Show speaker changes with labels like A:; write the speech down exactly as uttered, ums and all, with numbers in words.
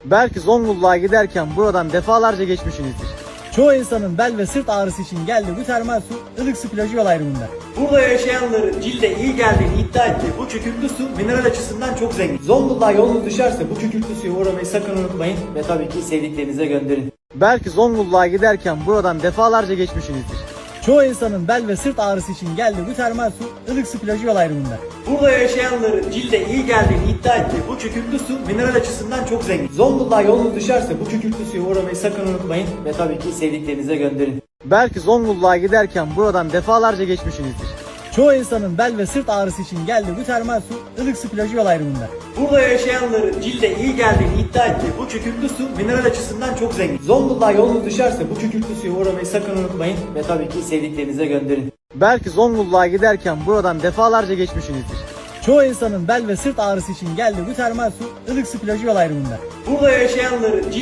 A: Belki Zonguldak'a giderken buradan defalarca geçmişsinizdir.
B: Çoğu insanın bel ve sırt ağrısı için geldiği bu termal su Ilıksu plajı yol ayrımında.
C: Burada yaşayanların cilde iyi geldiğini iddia ettiği bu kükürtlü su mineral açısından çok zengin. Zonguldak'a yolunuz düşerse bu kükürtlü suya uğramayı sakın unutmayın ve tabii ki sevdiklerinize gönderin.
A: Belki Zonguldak'a giderken buradan defalarca geçmişsinizdir.
B: Çoğu insanın bel ve sırt ağrısı için geldiği bu termal su Ilıksu plajı yol ayrımında.
C: Burada yaşayanların cilde iyi geldiğini iddia ettiği bu kükürtlü su mineral açısından çok zengin. Zonguldak'a yolunuz düşerse bu kükürtlü suya uğramayı sakın unutmayın ve tabii ki sevdiklerinize gönderin.
A: Belki Zonguldak'a giderken buradan defalarca geçmişsinizdir.
B: Çoğu insanın bel ve sırt ağrısı için geldiği bu termal su Ilıksu plajı yol ayrımında.
C: Burada yaşayanların cilde iyi geldiğini iddia ettiği bu kükürtlü su mineral açısından çok zengin. Zonguldak'a yolunuz düşerse bu kükürtlü suya uğramayı sakın unutmayın ve tabii ki sevdiklerinize gönderin.
A: Belki Zonguldak'a giderken buradan defalarca geçmişsinizdir.
B: Çoğu insanın bel ve sırt ağrısı için geldiği bu termal su Ilıksu plajı yol ayrımında.
C: Burada yaşayanların cilde